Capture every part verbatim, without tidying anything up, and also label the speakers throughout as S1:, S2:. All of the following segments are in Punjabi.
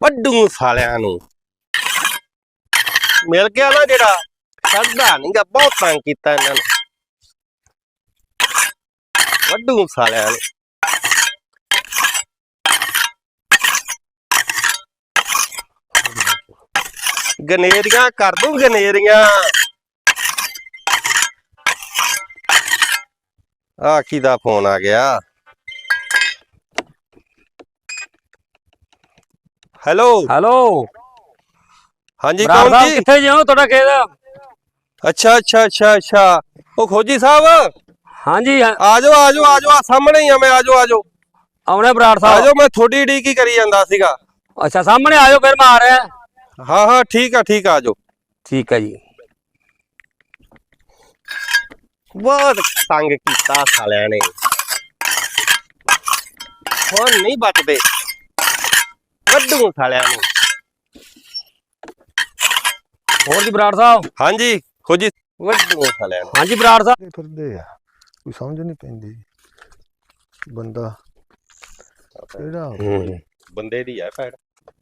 S1: ਵੱਡੂ ਸਾਲਿਆਂ ਨੂੰ ਮਿਲ ਗਿਆ ਨਾ ਜਿਹੜਾ ਛੱਡਦਾ ਨਹੀਂਗਾ। ਬਹੁਤ ਤੰਗ ਕੀਤਾ ਇਹਨਾਂ ਨੂੰ ਵੱਡੂ ਸਾਲਿਆਂ ਨੂੰ। ਗਨੇਰੀਆਂ ਕਰ ਦੂੰ ਗਨੇਰੀਆਂ। ਆ ਕਿਹਦਾ ਫੋਨ ਆ ਗਿਆ? ਹੈਲੋ
S2: ਹੈਲੋ
S1: ਹਾਂਜੀ ਕੌਣ ਜੀ?
S2: ਕਿੱਥੇ ਜਿਓ ਤੁਹਾਡਾ ਖੇਤ?
S1: ਅੱਛਾ ਅੱਛਾ ਅੱਛਾ ਅੱਛਾ ਉਹ ਖੋਜੀ ਸਾਹਿਬ
S2: ਹਾਂਜੀ
S1: ਆ ਜਾਓ ਆ ਜਾਓ ਆ ਜਾਓ। ਆ ਸਾਹਮਣੇ ਹੀ ਆ ਮੈਂ। ਆ ਜਾਓ ਆ ਜਾਓ
S2: ਆਉਣੇ ਬਰਾੜ
S1: ਆ
S2: ਸਾਹਿਬ।
S1: ਜਾਓ। ਮੈਂ ਥੋੜੀ ਡੀ ਕੀ ਕਰੀ ਜਾਂਦਾ ਸੀਗਾ।
S2: ਅੱਛਾ ਸਾਹਮਣੇ ਆ ਜਾਓ ਫਿਰ ਮੈਂ ਆ ਰਿਹਾ।
S1: ਹਾਂ ਹਾਂ ਠੀਕ ਆ ਠੀਕ ਆ। ਆ ਜਾਓ।
S2: ਠੀਕ ਹੈ ਜੀ।
S1: ਬਹੁਤ ਤੰਗ ਕੀਤਾ ਸਾਲਿਆਂ ਨੇ। ਹੁਣ ਨਹੀਂ ਬਚਦੇ ਵੱਡੂ ਸਾਲਿਆਂ ਨੂੰ।
S2: ਹੋਰ ਜੀ ਬਰਾੜ ਸਾਹਿਬ?
S1: ਹਾਂਜੀ ਖੋਜੀ ਵੱਡੂ ਸਾਲਿਆਂ ਨੂੰ।
S2: ਹਾਂਜੀ ਬਰਾੜ ਸਾਹਿਬ।
S3: ਫਿਰਦੇ ਆ ਕੋਈ ਸਮਝ ਨਹੀਂ ਪੈਂਦੀ ਬੰਦਾ ਕਿਹੜਾ
S1: ਹੂੰ ਬੰਦੇ ਦੀ ਆ ਭੈੜ।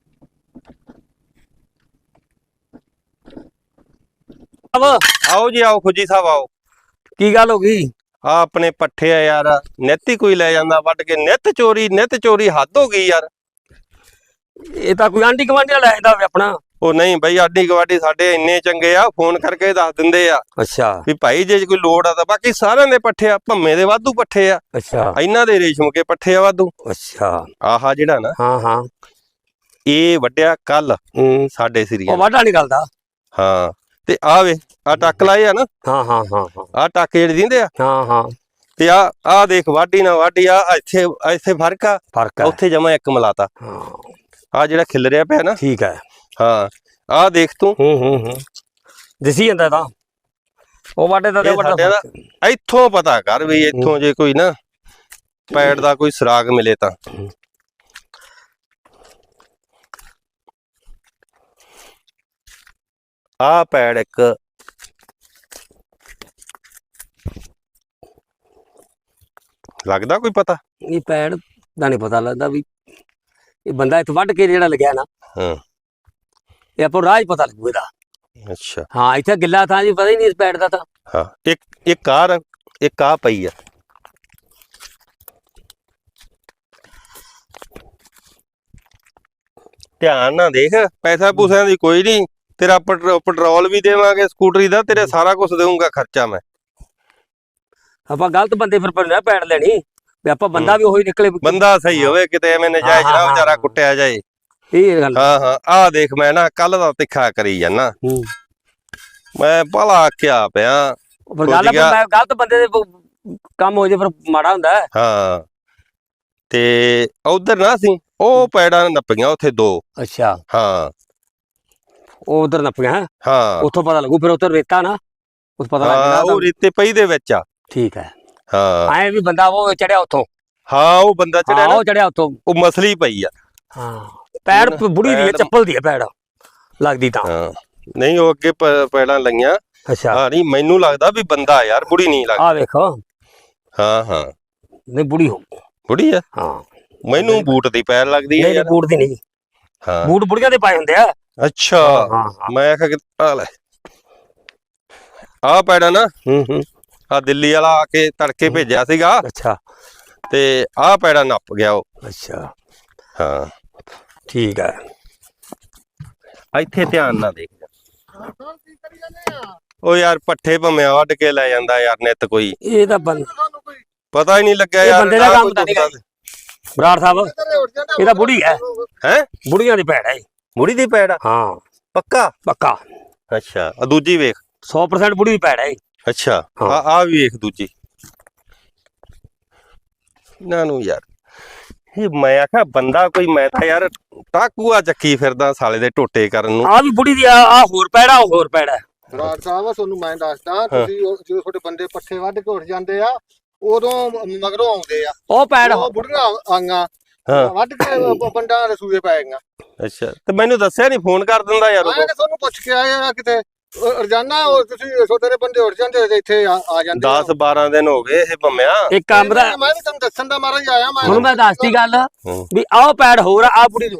S1: ਆਓ ਜੀ ਆਓ ਖੋਜੀ ਸਾਹਿਬ ਆਓ।
S2: ਕੀ ਗੱਲ ਹੋ ਗਈ?
S1: ਆ ਆਪਣੇ ਪੱਠੇ ਆ ਯਾਰ ਨਿੱਤ ਹੀ ਕੋਈ ਲੈ ਜਾਂਦਾ ਵੱਢ ਕੇ। ਨਿੱਤ ਚੋਰੀ ਨਿੱਤ ਚੋਰੀ ਹੱਦ ਹੋ ਗਈ ਯਾਰ।
S2: ਇਹ ਤਾਂ ਕੋਈ ਆਂਢੀ ਗੁਆਂਢੀ ਨਾਲ ਲੈ ਜਾਂਦਾ ਹੋਵੇ ਆਪਣਾ।
S1: ਉਹ ਨਹੀਂ ਬਈ ਆਡੀ ਗਵਾਡੀ ਸਾਡੇ ਇੰਨੇ ਚੰਗੇ ਆ ਫੋਨ ਕਰਕੇ ਦੱਸ ਦਿੰਦੇ ਆ
S2: ਅੱਛਾ
S1: ਵੀ ਭਾਈ ਜੇ ਕੋਈ ਲੋੜ ਆ ਤਾਂ। ਬਾਕੀ ਸਾਰਿਆਂ ਦੇ ਪੱਠੇ ਆ ਭੰਮੇ ਦੇ ਵਾਧੂ ਪੱਠੇ ਆ।
S2: ਅੱਛਾ
S1: ਇਹਨਾਂ ਦੇ ਰੇਸ਼ਮ ਕੇ ਪੱਠੇ ਆ ਵਾਧੂ।
S2: ਅੱਛਾ
S1: ਆਹਾ ਜਿਹੜਾ ਨਾ
S2: ਹਾਂ ਹਾਂ
S1: ਇਹ ਵੱਢਿਆ ਕੱਲ
S2: ਹੂੰ
S1: ਸਾਡੇ
S2: ਉਹ
S1: ਸਿਰੀਆਂ।
S2: ਵਾਢਾ ਨਿਕਲਦਾ।
S1: ਹਾਂ ਤੇ ਆ ਵੇ ਆ ਟੱਕ ਲਾਏ ਆ ਨਾ।
S2: ਹਾਂ ਹਾਂ ਹਾਂ ਹਾਂ
S1: ਆ ਟੱਕ ਜਿਹੜੇ ਦਿੰਦੇ ਆ।
S2: ਹਾਂ ਹਾਂ
S1: ਤੇ ਆ ਆ ਦੇਖ ਵਾਢੀ ਨਾ ਵਾਢੀ ਆ ਇੱਥੇ ਇੱਥੇ ਫਰਕ ਆ।
S2: ਫਰਕ ਹੈ।
S1: ਉੱਥੇ ਜਮਾ ਇੱਕ ਮਲਾਤਾ।
S2: ਹਾਂ
S1: ਆ ਜਿਹੜਾ ਖਿਲਰਿਆ ਪਿਆ ਨਾ।
S2: ਠੀਕ ਹੈ।
S1: ਹਾਂ ਆ ਦੇਖ ਤੂੰ।
S2: ਹੂੰ ਹੂੰ ਹੂੰ ਦਿਸੀ ਜਾਂਦਾ ਤਾਂ ਉਹ ਵਾਢੇ ਦਾ
S1: ਇਹ ਸਾਡੇ ਦਾ ਇੱਥੋਂ ਪਤਾ ਕਰ ਵੀ ਇੱਥੋਂ ਜੇ ਕੋਈ ਨਾ ਪੈੜ ਦਾ ਕੋਈ ਸੁਰਾਗ ਮਿਲੇ ਤਾਂ। ਆ ਪੈੜ ਇੱਕ ਲੱਗਦਾ ਕੋਈ ਪਤਾ?
S2: ਇਹ ਪੈੜ ਦਾ ਨਹੀਂ ਪਤਾ ਲੱਗਦਾ ਵੀ ਇਹ ਬੰਦਾ ਇੱਥੇ ਵੱਢ ਕੇ ਜਿਹੜਾ ਲੱਗਿਆ ਨਾ।
S1: ਹਾਂ
S2: ਇਹ ਆਪਾਂ ਰਾਹ ਹੀ ਪਤਾ ਲੱਗੂ ਇਹਦਾ।
S1: ਅੱਛਾ
S2: ਹਾਂ ਇੱਥੇ ਗਿੱਲਾ ਥਾਂ ਜੀ ਪਤਾ ਹੀ ਨਹੀਂ ਇਸ ਪੈੜ ਦਾ ਤਾਂ।
S1: ਹਾਂ ਇੱਕ ਇੱਕ ਕਾਰ ਇੱਕ ਆ ਪਈ ਆ। ਧਿਆਨ ਨਾਲ ਦੇਖ। ਪੈਸਾ ਪੂਸਿਆਂ ਦੀ ਕੋਈ ਨਹੀਂ। ਤੇਰਾ ਪੈਟਰੋਲ ਵੀ ਦੇਵਾਂਗੇ ਸਕੂਟਰੀ ਦਾ। ਤੇਰੇ ਸਾਰਾ ਕੁਝ ਦੇਵਾਂਗਾ ਖਰਚਾ ਮੈਂ।
S2: ਆਪਾਂ ਗਲਤ ਬੰਦੇ ਫਿਰ ਪਰ ਪੈੜ ਲੈਣੀ ਵੀ ਆਪਾਂ ਬੰਦਾ ਵੀ ਉਹੀ ਨਿਕਲੇ।
S1: ਬੰਦਾ ਸਹੀ ਹੋਵੇ ਕਿਤੇ ਐਵੇਂ ਨਜਾਇਜ਼ ਨਾ ਵਿਚਾਰਾ ਕੁੱਟਿਆ ਜਾਏ।
S2: ਇਹ ਗੱਲ
S1: ਹਾਂ ਹਾਂ ਆ ਦੇਖ ਮੈਂ ਨਾ ਕੱਲ ਦਾ ਤਿੱਖਾ ਕਰੀ ਜਾਨਾ।
S2: ਹੂੰ
S1: ਮੈਂ ਭਲਾ ਆਖਿਆ ਪਿਆ।
S2: ਪਰ ਗੱਲ ਮੈਂ ਗਲਤ ਬੰਦੇ ਦੇ ਕੰਮ ਹੋ ਜੇ ਫਿਰ ਮਾੜਾ ਹੁੰਦਾ।
S1: ਹਾਂ ਤੇ ਉਧਰ ਨਾ ਸੀ ਉਹ ਪੈੜਾਂ ਨੱਪੀਆਂ ਉੱਥੇ ਦੋ।
S2: ਅੱਛਾ
S1: ਹਾਂ
S2: ਉਹ ਉਧਰ ਨੱਪੀਆਂ।
S1: ਹਾਂ
S2: ਉੱਥੋਂ ਪਤਾ ਲੱਗੂ ਫਿਰ ਉੱਧਰ ਰੇਤਾ ਨਾ ਉਸ ਪਤਾ ਲੱਗ
S1: ਹਾਂ ਉਹ ਰੇਤੇ ਪਈ ਦੇ ਵਿੱਚ ਆ।
S2: ਠੀਕ ਹੈ।
S1: ਹਾਂ
S2: ਐ ਵੀ ਬੰਦਾ ਉਹ ਚੜਿਆ ਉੱਥੋਂ।
S1: ਹਾਂ ਉਹ ਬੰਦਾ ਚੜਿਆ ਨਾ
S2: ਉਹ ਚੜਿਆ ਉੱਥੋਂ।
S1: ਉਹ ਮਸਲੀ ਪਈ ਆ।
S2: ਹਾਂ ਪੈੜ ਬੁੜੀ ਦੀ ਚੱਪਲ ਦੀ ਹੈ ਪੈੜ ਲੱਗਦੀ ਤਾਂ।
S1: ਹਾਂ ਨਹੀਂ ਉਹ ਅੱਗੇ ਪੈੜਾਂ ਲਈਆਂ।
S2: ਅੱਛਾ
S1: ਹਾਂ ਨਹੀਂ ਮੈਨੂੰ ਲੱਗਦਾ ਵੀ ਬੰਦਾ ਯਾਰ ਬੁੜੀ ਨਹੀਂ ਲੱਗਦੀ।
S2: ਆ ਵੇਖੋ।
S1: ਹਾਂ ਹਾਂ
S2: ਨਹੀਂ ਬੁੜੀ ਹੋ
S1: ਬੁੜੀ ਆ।
S2: ਹਾਂ
S1: ਮੈਨੂੰ ਬੂਟ ਦੀ ਪੈਰ ਲੱਗਦੀ ਹੈ
S2: ਨਹੀਂ ਬੂਟ ਦੀ ਨਹੀਂ।
S1: ਹਾਂ
S2: ਬੂਟ ਬੁੜੀਆਂ ਦੇ ਪਾਏ ਹੁੰਦੇ ਆ।
S1: ਅੱਛਾ
S2: ਹਾਂ
S1: ਮੈਂ ਆਖਿਆ ਕਿ ਆ ਲੈ ਆ ਪੈੜਾ ਨਾ।
S2: ਹੂੰ ਹੂੰ
S1: ਆ ਦਿੱਲੀ ਵਾਲਾ ਆ ਕੇ ਤੜਕੇ ਭੇਜਿਆ ਸੀਗਾ।
S2: ਅੱਛਾ
S1: ਤੇ ਆ ਪੈੜਾ ਨੱਪ ਗਿਆ ਉਹ।
S2: ਅੱਛਾ
S1: ਹਾਂ
S2: ਠੀਕ ਹੈ।
S1: ਇੱਥੇ ਧਿਆਨ ਨਾਲ ਦੇਖ। ਉਹ ਯਾਰ ਪੱਠੇ ਭੰਮਿਆ ਵੱਢ ਕੇ ਲੈ ਜਾਂਦਾ ਯਾਰ ਨਿੱਤ ਕੋਈ।
S2: ਇਹ ਤਾਂ
S1: ਪਤਾ ਹੀ ਨਹੀਂ ਲੱਗਿਆ ਯਾਰ।
S2: ਬੰਦੇ ਦਾ ਕੰਮ ਤਾਂ ਨਹੀਂ ਬਰਾੜ ਸਾਹਿਬ। ਇਹ ਤਾਂ ਬੁੜੀ ਹੈ।
S1: ਹੈ
S2: ਬੁੜੀਆਂ ਦੀ ਪੈੜ ਹੈ।
S1: ਬੁੜੀ ਦੀ ਪੈੜ ਆ।
S2: ਹਾਂ
S1: ਪੱਕਾ
S2: ਪੱਕਾ।
S1: ਅੱਛਾ ਆ ਦੂਜੀ ਵੇਖ।
S2: ਸੌ ਪਰਸੈਂਟ ਬੁੜੀ ਦੀ ਪੈੜ ਹੈ।
S1: ਅੱਛਾ ਆ ਆ ਵੀ ਵੇਖ ਦੂਜੀ। ਇਹਨਾਂ ਨੂੰ ਯਾਰ ਇਹ ਮੈਂ ਆਖਿਆ ਬੰਦਾ ਕੋਈ। ਮੈਂ ਤਾਂ ਯਾਰ ਟਾਕੂਆ ਚੱਕੀ ਫਿਰਦਾ ਸਾਲੇ ਦੇ ਟੋਟੇ ਕਰਨ ਨੂੰ।
S2: ਆ ਵੀ ਬੁੜੀ ਦੀ ਆ ਹੋਰ ਪੈੜ ਆ ਉਹ ਹੋਰ ਪੈੜ ਹੈ।
S3: ਬਰਾੜ ਸਾਹਿਬ ਤੁਹਾਨੂੰ ਮੈਂ ਦੱਸਦਾ ਤੁਸੀਂ ਜਦੋਂ ਤੁਹਾਡੇ ਬੰਦੇ ਪੱਠੇ ਵੱਢ ਕੇ ਉੱਠ ਜਾਂਦੇ ਆ ਉਦੋਂ ਮਗਰੋਂ ਆਉਂਦੇ ਆ
S2: ਉਹ ਪੈੜ
S3: ਉਹ ਬੁੜੀਆਂ ਆਈਆਂ ਵੱਢ ਕੇ ਬੰਡਾਂ ਦੇ ਸੂਏ ਪੈ ਗਈਆਂ।
S1: ਅੱਛਾ ਤੇ ਮੈਨੂੰ ਦੱਸਿਆ ਨਹੀਂ ਫੋਨ ਕਰ ਦਿੰਦਾ ਯਾਰ।
S3: ਮੈਂ ਤੁਹਾਨੂੰ ਪੁੱਛ ਕੇ ਆਇਆ ਕਿਤੇ ਰੋਜ਼ਾਨਾ ਤੁਸੀਂ ਤੇਰੇ ਬੰਦੇ ਉੱਠ ਜਾਂਦੇ ਇੱਥੇ ਆ ਜਾਂਦੇ।
S1: ਦਸ ਬਾਰਾਂ ਦਿਨ ਹੋ ਗਏ ਇਹ ਭੰਮਿਆ।
S2: ਇੱਕ ਕੰਮ ਦਾ
S3: ਮੈਂ ਵੀ ਤੁਹਾਨੂੰ ਦੱਸਣ ਦਾ ਮਾਰਾ ਹੀ ਆਇਆ। ਮੈਂ
S2: ਹੁਣ ਮੈਂ ਦੱਸਦੀ ਗੱਲ ਵੀ ਆਹ ਪੈੜ ਹੋਰ ਆ ਆ ਬੁੜੀ ਦੀ ਹੋਰ ਹੈ।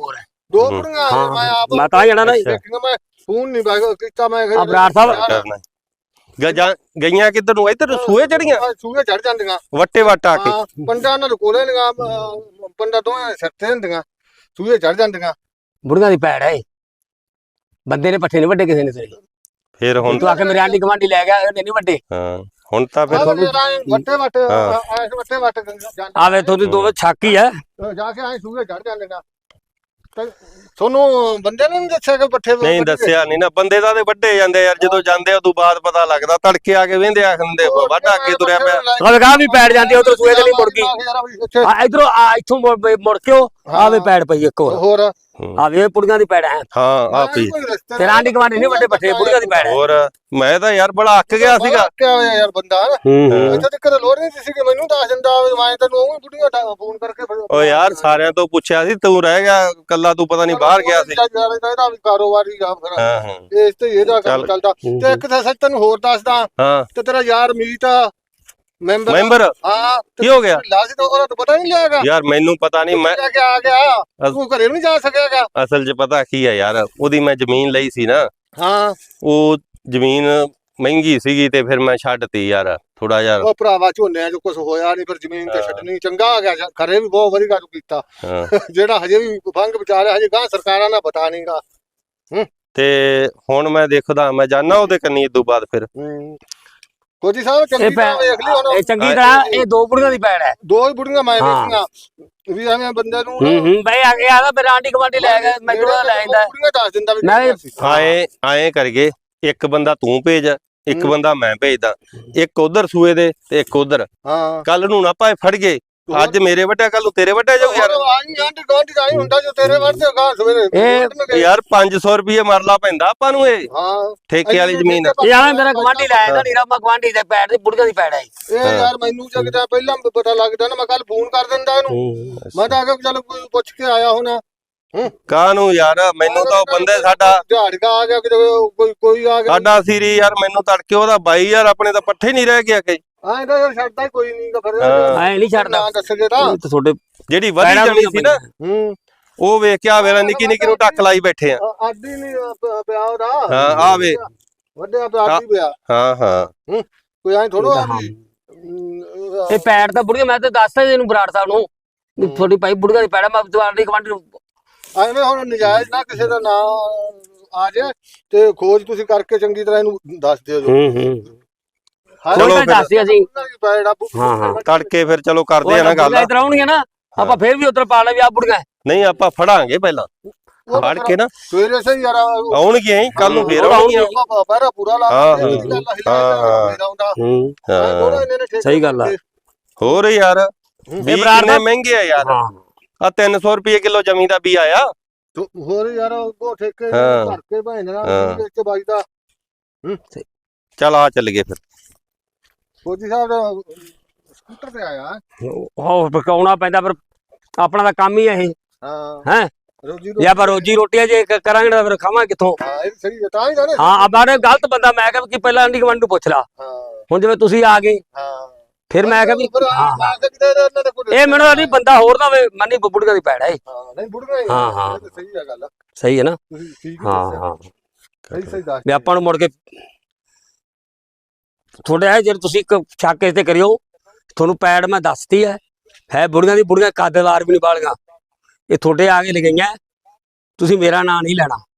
S3: ਦੋ
S1: ਹੂੰ।
S3: ਬੁੜੀਆਂ
S2: ਹਾਂ,
S3: ਮੈਂ ਆਪ
S2: ਮੈਂ ਤਾਂ ਜਾਣਾ ਨਾ ਜੀ।
S3: ਦੇਖੀਆਂ, ਮੈਂ ਫੋਨ ਨਹੀਂ ਬਾਈ ਕੀਤਾ ਮੈਂ
S2: ਆ ਬਰਾੜ ਸਾਹਿਬ
S1: ਕਰਨਾ ਗਜਾਂ ਗਈਆਂ ਕਿੱਧਰ ਨੂੰ ਇੱਧਰ ਸੂਏ ਚੜੀਆਂ
S3: ਸੂਏ ਚੜ ਜਾਂਦੀਆਂ
S1: ਵੱਟੇ ਵੱਟ ਆ ਕੇ
S3: ਹਾਂ ਪੰਡਾ ਨਾਲ ਕੋਲੇ ਨੀਆਂ ਪੰਡਾ ਦੋਵੇਂ ਸਿਰ ਤੇ ਹੁੰਦੀਆਂ ਸੂਏ ਚੜ ਜਾਂਦੀਆਂ
S2: ਬੁੜੀਆਂ ਦੀ ਪੈੜ ਹੈ ਇਹ। ਬੰਦੇ ਨੇ ਪੱਠੇ ਨਹੀਂ ਵੱਡੇ ਕਿਸੇ ਨੇ ਤੇਰੇ
S1: ਫਿਰ ਹੁਣ
S2: ਤੂੰ ਆ ਕੇ ਮੇਰੇ ਆਂਢੀ ਗਵਾਂਢੀ ਲੈ ਗਿਆ ਇਹਨੇ ਨਹੀਂ ਵੱਡੇ
S1: ਹਾਂ ਹੁਣ ਤਾਂ ਫਿਰ
S3: ਆਹ
S1: ਤੁਹਾਨੂੰ
S3: ਵੱਟੇ ਵੱਟ
S1: ਹਾਂ।
S3: ਐਸ ਵੱਟੇ ਵੱਟ ਜਾਂਦੇ
S2: ਆਵੇ ਤੁਹਾਡੀ ਦੋਵੇਂ ਛਾਕੀ ਹੈ
S3: ਜਾ ਕੇ ਐ ਸੂਏ ਚੜ ਜਾਂਦੀਆਂ ਤੇ ਤੁਹਾਨੂੰ ਬੰਦੇ ਨੇ ਨਹੀਂ ਦੱਸਿਆ ਕਿ ਪੱਠੇ
S1: ਨਹੀਂ ਦੱਸਿਆ ਨਹੀਂ ਨਾ ਬੰਦੇ ਤਾਂ ਤੇ ਵੱਡੇ ਜਾਂਦੇ ਯਾਰ ਜਦੋਂ ਜਾਂਦੇ ਉਦੋਂ ਬਾਅਦ ਪਤਾ ਲੱਗਦਾ ਤੜਕੇ ਆ ਕੇ ਵੇਂਦੇ ਆਖੰਦੇ ਵੱਡਾ ਅੱਗੇ ਤੁਰਿਆ ਪਿਆ
S2: ਉਹ ਗਾਹ ਵੀ ਪੈੜ ਜਾਂਦੀ ਉਧਰ ਸੂਏ ਤੇ ਨਹੀਂ ਮੁੜ ਗਈ ਆ ਇਧਰੋਂ ਆ ਇੱਥੋਂ ਮੁੜ ਮੁੜ ਕੇ ਉਹ ਆਵੇ ਪੈੜ ਪਈ ਇੱਕ ਹੋਰ
S3: ਹੋਰ
S2: ਆਵੇ ਪੁੜੀਆਂ ਦੀ ਪੈੜ ਹੈ
S1: ਹਾਂ ਆ ਪਈ
S2: ਤੇਰਾ ਆਂਢੀ ਗਵਾਂਢੀ ਨਹੀਂ ਵੱਡੇ ਪੱਠੇ ਬੁੜੀਆਂ ਦੀ ਪੈੜ ਹੈ
S1: ਹੋਰ ਮੈਂ ਤਾਂ ਯਾਰ ਬੜਾ ਅੱਕ ਗਿਆ ਸੀਗਾ
S3: ਕਿਆ ਹੋਇਆ ਯਾਰ ਬੰਦਾ
S2: ਹੂੰ ਹੂੰ
S3: ਇੱਥੇ ਤੱਕ ਲੋੜ ਨਹੀਂ ਸੀ ਕਿ ਮੈਨੂੰ ਦੱਸ ਦਿੰਦਾ ਮੈਂ ਤੈਨੂੰ ਉਹ ਬੁੜੀਆਂ ਫੋਨ ਕਰਕੇ
S1: ਓ ਯਾਰ ਸਾਰਿਆਂ ਤੋਂ ਪੁੱਛਿਆ ਸੀ ਤੂੰ ਰਹਿ ਗਿਆ ਕੱਲਾ ਤੂੰ ਪਤਾ ਨਹੀਂ ਬਾਹਰ ਗਿਆ ਸੀ
S3: ਇਹਦਾ ਵੀ ਕਾਰੋਬਾਰੀ ਆ ਫਿਰ
S1: ਹਾਂ ਹਾਂ
S3: ਇਸ ਤੇ ਇਹਦਾ ਕੰਮ
S1: ਚੱਲ।
S3: ਚੱਲਦਾ ਤੇ ਇੱਕ ਤਾਂ ਸੱਚ ਤੈਨੂੰ ਹੋਰ ਦੱਸਦਾ
S1: ਹਾਂ
S3: ਤੇ ਤੇਰਾ ਯਾਰ ਮੀਤ ਮੈਂਬਰ
S1: ਮੈਂਬਰ
S3: ਹਾਂ
S1: ਕੀ ਹੋ ਗਿਆ
S3: ਲਾਜ ਤਾਂ ਉਹਦਾ ਤਾਂ ਪਤਾ ਨਹੀਂ ਲਿਆਗਾ
S1: ਯਾਰ ਮੈਨੂੰ ਪਤਾ ਨਹੀਂ ਮੈਂ
S3: ਕਿ ਆ ਗਿਆ ਤੂੰ ਘਰੇ ਨਹੀਂ ਜਾ ਸਕਿਆਗਾ
S1: ਅਸਲ 'ਚ ਪਤਾ ਕੀ ਆ ਯਾਰ ਉਹਦੀ ਮੈਂ ਜ਼ਮੀਨ ਲਈ ਸੀ ਨਾ
S3: ਹਾਂ
S1: ਉਹ ਜ਼ਮੀਨ ਮਹਿੰਗੀ ਸੀਗੀ ਤੇ ਫਿਰ ਮੈਂ ਛੱਡਤੀ ਯਾਰ ਥੋੜਾ ਜਿਹਾ
S3: ਉਹ ਭਰਾਵਾ ਝੋਨਿਆਂ ਚ ਕੁਝ ਹੋਇਆ ਨਹੀਂ ਫਿਰ ਜ਼ਮੀਨ ਤੇ ਛੱਡਣੀ ਚੰਗਾ ਆ ਗਿਆ ਘਰੇ ਵੀ ਬਹੁਤ ਵਧੀਆ ਤੂੰ ਕੀਤਾ
S1: ਹਾਂ
S3: ਜਿਹੜਾ ਹਜੇ ਵੀ ਫੰਗ ਵਿਚਾਰਿਆ ਹਜੇ ਗਾਂ ਸਰਕਾਰਾਂ ਦਾ ਪਤਾ ਨਹੀਂਗਾ
S1: ਤੇ ਹੁਣ ਮੈਂ ਦੇਖਦਾ ਮੈਂ ਜਾਣਾ ਉਹਦੇ ਕੰਨੀ ਇਦੋਂ ਬਾਅਦ ਫਿਰ
S3: ਕੋਜੀ ਸਾਹਿਬ
S2: ਇਹ
S3: ਚੰਗੀ ਤਰ੍ਹਾਂ ਵੇਖ ਲਈ
S2: ਇਹ
S3: ਹੁਣ
S2: ਚੰਗੀ ਤਰ੍ਹਾਂ ਇਹ ਦੋ ਬੁੜੀਆਂ ਦੀ ਪੈੜ ਹੈ
S3: ਦੋ ਹੀ ਬੁੜੀਆਂ ਮੈਂ
S2: ਹਾਂ।
S3: ਵੇਖੀਆਂ ਵੀ ਐਵੇਂ ਬੰਦੇ ਨੂੰ
S2: ਹੂੰ ਹੂੰ ਬਈ ਆ ਗਿਆ ਤਾਂ ਮੇਰਾ ਆਂਢੀ ਗਵਾਂਢੀ ਲੈ ਗਿਆ ਮੈਂ ਜਿਹੜਾ ਲੈ ਜਾਂਦਾ
S3: ਬੁੜੀਆਂ ਦੱਸ ਦਿੰਦਾ ਵੀ
S2: ਮੈਂ-
S3: ਕਿਹੜੀਆਂ ਸੀ।
S1: ਆਏ ਆਏ ਕਰਗੇ ਇੱਕ ਬੰਦਾ ਤੂੰ ਭੇਜ ਇੱਕ
S3: ਹੂੰ।
S1: ਬੰਦਾ ਮੈਂ ਭੇਜਦਾ ਇੱਕ ਉਧਰ ਸੂਏ ਦੇ ਤੇ ਇੱਕ ਉਧਰ
S3: ਹਾਂ
S1: ਕੱਲ ਨੂੰ ਨਾ ਭਾਵੇਂ ਫੜ ਗਏ ਅੱਜ ਮੇਰੇ ਵੱਟਿਆ ਕੱਲ ਨੂੰ ਤੇਰੇ ਵੱਟਿਆ ਜਾਊ ਯਾਰ
S3: ਆਈ ਆਂਟੀ ਗਾਂਟੀ ਆਈ ਹੁੰਦਾ ਜੋ ਤੇਰੇ ਵਰਤੇ ਗਾਂ ਸਵੇਰੇ
S2: ਇਹ-
S3: ਵੱਢਣਗੇ।
S1: ਯਾਰ ਪੰਜ ਸੌ ਰੁਪਏ ਮਰਲਾ ਪੈਂਦਾ ਆਪਾਂ ਨੂੰ ਇਹ
S3: ਹਾਂ
S1: ਠੇਕੇ ਵਾਲੀ ਜ਼ਮੀਨ
S2: ਇਹ ਆ ਮੇਰਾ ਗਵਾਂਢੀ ਲੈ ਜਾਂਦਾ ਨੀਰਾ ਮਾ ਗਵਾਂਢੀ ਦੇ ਪੈੜ ਦੀ ਬੁੜੀਆਂ ਦੀ ਪੈੜ ਹੈ
S3: ਇਹ ਯਾਰ ਮੈਨੂੰ ਜਗਦਾ ਪਹਿਲਾਂ ਪਤਾ ਲੱਗਦਾ ਨਾ ਮੈਂ ਕੱਲ ਫੋਨ ਕਰ ਦਿੰਦਾ ਇਹਨੂੰ ਮੈਂ ਤਾਂ ਆ ਕੇ ਚੱਲ ਕੋਈ ਪੁੱਛ ਕੇ ਆਇਆ ਹੋਣਾ
S1: ਕਾਹਨੂੰ ਯਾਰ ਮੈਨੂੰ ਤਾਂ ਉਹ ਬੰਦੇ ਸਾਡਾ
S3: ਝਾੜਕਾ ਆ ਗਿਆ ਕਿਤੇ ਕੋਈ ਕੋਈ ਆ ਗਿਆ
S1: ਸਾਡਾ ਸੀਰੀ ਯਾਰ ਮੈਨੂੰ ਤੜਕੇ ਉਹਦਾ ਬਾਈ ਯਾਰ ਆਪਣੇ ਤਾਂ ਪੱਠੇ ਨਹੀਂ ਰਹਿ ਗਿਆ ਕਿ
S3: ਐਂ ਤਾਂ ਯਾਰ ਛੱਡਦਾ ਹੀ ਕੋਈ ਨਹੀਂ ਫਿਰ
S1: ਹਾਂ।
S2: ਐ ਨਹੀਂ ਛੱਡਦਾ
S3: ਨਾ ਦੱਸਗੇ ਤਾਂ
S2: ਇਹ ਤਾਂ ਤੁਹਾਡੇ
S1: ਜਿਹੜੀ ਵਧੀ
S2: ਪੈੜਾਂ
S1: ਜਾਣੀ ਸੀ ਨਾ
S3: ਹੂੰ
S1: ਉਹ ਵੇਖ ਕੇ ਆ ਵੇਲਾ ਨਿੱਕੀ ਨਿੱਕੀ ਨੂੰ ਟੱਕ ਲਾਈ ਬੈਠੇ ਆ
S3: ਆਡੀ ਨਹੀਂ ਪਿਆ ਉਹਦਾ
S1: ਹਾਂ ਆ ਵੇ
S3: ਵੱਡੇ ਆਪ ਆਡੀ ਪਿਆ
S1: ਹਾਂ ਹਾਂ
S3: ਕੋਈ ਐਂ ਥੋੜੋ ਆ
S2: ਹਾਂ।
S3: ਵੀ
S2: ਇਹ ਪੈੜ ਤਾਂ ਬੁੜੀਆਂ ਮੈਂ ਤਾਂ ਦੱਸਦਾ ਇਹਨੂੰ ਬਰਾੜ ਸਾਹਿਬ ਨੂੰ ਵੀ ਤੁਹਾਡੀ ਭਾਈ ਬੁੜੀਆਂ ਦੀ ਪੈੜ ਹੈ, ਮੈਂ ਤੁਹਾਡੀ ਗਵਾਂਢੀ ਨੂੰ
S3: ਐਵੇਂ ਹੁਣ ਨਜਾਇਜ਼ ਨਾ ਕਿਸੇ ਦਾ ਨਾਂ ਆ ਜਾਏ ਤੇ ਖੋਜ ਤੁਸੀਂ ਕਰਕੇ ਚੰਗੀ ਤਰ੍ਹਾਂ ਇਹਨੂੰ ਦੱਸ ਦਿਓ ਜੋ
S2: ਹੂੰ ਹੂੰ
S3: ਹਾਂ,
S1: ਚਲੋ
S2: ਕੋਈ
S1: ਫਿਰ।
S2: ਦੱਸ ਦਿਆ ਅਸੀਂ
S3: ਪੈੜਾ
S2: ਹਾਂ, ਹਾਂ।
S1: ਤੜਕੇ ਫਿਰ ਚਲੋ ਕਰਦੇ ਆ ਨਾ ਗੱਲ
S2: ਇਧਰ ਆਉਣਗੇ ਨਾ ਆਪਾਂ ਫੇਰ ਵੀ ਉਧਰ ਪਾ ਲੈ ਵੀ ਆ ਬੁੜੀਆਂ
S1: ਨਹੀਂ ਆਪਾਂ ਫੜਾਂਗੇ ਪਹਿਲਾਂ
S3: ਉਹ
S1: ਫੜ ਕੇ ਨਾ
S3: ਸਵੇਰੇ ਸਹੀ ਯਾਰ
S1: ਆਉਣਗੀਆਂ ਹੀ ਕੱਲ ਨੂੰ ਫੇਰ
S2: ਉਹ
S1: ਆਉਣਗੀਆਂ
S3: ਬਾਬਾ ਪੂਰਾ ਲਾ
S1: ਹਾਂ,
S3: ਕੇ
S1: ਹਾਂ,
S3: ਗੱਲ ਹਿਲਾ
S1: ਹਾਂ,
S3: ਮੇਰਾ ਹੁੰਦਾ
S2: ਹੂੰ
S1: ਹਾਂ
S2: ਸਹੀ ਗੱਲ ਆ।
S1: ਹੋਰ ਯਾਰ ਵੀ
S2: ਬਰਾੜ
S1: ਕਿੰਨੇ
S2: ਦਾ-
S1: ਮਹਿੰਗੇ ਆ ਯਾਰ
S2: ਹਾਂ
S1: ਆ ਤਿੰਨ ਸੌ ਰੁਪਏ ਕਿਲੋ ਜ਼ਮੀਨ ਦਾ ਵੀ ਆਇਆ
S3: ਹੋਰ ਯਾਰ ਉਹ ਠੇਕੇ
S1: ਹਾਂ।
S3: ਭਰ ਕੇ ਭੈਣਾਂ
S1: ਹਾਂ।
S3: ਵਿੱਚ ਵੱਜਦਾ
S1: ਚੱਲ ਆ ਚੱਲ ਗਏ ਫਿਰ
S3: ਫੌਜੀ ਸਾਹਿਬ ਦਾ ਸਕੂਟਰ ਤੇ ਆਇਆ
S2: ਉਹ ਪਕਾਉਣਾ ਪੈਂਦਾ ਪਰ ਆਪਣਾ ਤਾਂ ਕੰਮ ਹੀ ਹੈ ਇਹ
S3: ਹਾਂ
S2: ਹੈ
S3: ਰੋਜੀ
S2: ਜਾਂ ਪਰ ਰੋਜੀ ਰੋਟੀ ਜੇ ਕ- ਕਰਾਂਗੇ ਤਾਂ ਫਿਰ ਖਾਵਾਂ ਕਿੱਥੋਂ
S3: ਹਾਂ ਇਹ ਸਹੀ ਹੈ ਤਾਂ ਹੀ ਤਾਂ ਨੇ
S2: ਹਾਂ ਆਬਾਰੇ ਗਲਤ ਬੰਦਾ ਮੈਂ ਕਿਹਾ ਕਿ ਪਹਿਲਾਂ ਆਂਢੀ ਗਵਾਂਢੀ ਨੂੰ ਪੁੱਛ ਲਾ
S3: ਹਾਂ
S2: ਹੁਣ ਜਿਵੇਂ ਤੁਸੀਂ ਆ ਗਏ
S3: ਹਾਂ
S2: ਫਿਰ ਮੈਂ ਕਿਹਾ ਵੀ
S3: ਫਿਰ ਆ-
S2: ਹਾਂ
S3: ਆ ਸਕਦੇ ਨੇ ਇਹਨਾਂ ਦੇ ਕੋਈ
S2: ਇਹ ਮੈਨੂੰ ਨਹੀਂ ਬੰਦਾ ਹੋਰ ਨਾ ਹੋਵੇ ਮੰਨੀ ਬੁੜੀਆਂ ਦੀ ਪੈੜ ਹੈ ਇਹ।
S3: ਹਾਂ ਨਹੀਂ ਬੁੜਗਾ ਹੀ
S2: ਹਾਂ, ਹਾਂ।
S3: ਇਹ ਤਾਂ ਸਹੀ ਹੈ ਗੱਲ
S2: ਸਹੀ ਹੈ ਨਾ
S3: ਤੁਸੀਂ ਠੀਕ ਹੀ
S2: ਹਾਂ
S3: ਦੱਸਿਆ।
S2: ਹਾਂ
S3: ਸਹੀ ਸਹੀ ਦੱਸ
S2: ਵੀ ਆਪਾਂ ਨੂੰ ਮੁੜ ਕੇ ਤੁਹਾਡੇ ਹੈ ਜਿਹੜੇ ਤੁਸੀਂ ਇੱਕ ਛਾਕੇ ਤੇ ਕਰਿਓ ਤੁਹਾਨੂੰ ਪੈੜ ਮੈਂ ਦੱਸਤੀ ਹੈ ਹੈ ਬੁੜੀਆਂ ਦੀ ਬੁੜੀਆਂ ਕਾਦੇਦਾਰ ਵੀ ਨਹੀਂ ਬਾਲੀਆਂ ਇਹ ਤੁਹਾਡੇ ਆ ਕੇ ਲਗਈਆਂ ਤੁਸੀਂ ਮੇਰਾ ਨਾਂ ਨਹੀਂ ਲੈਣਾ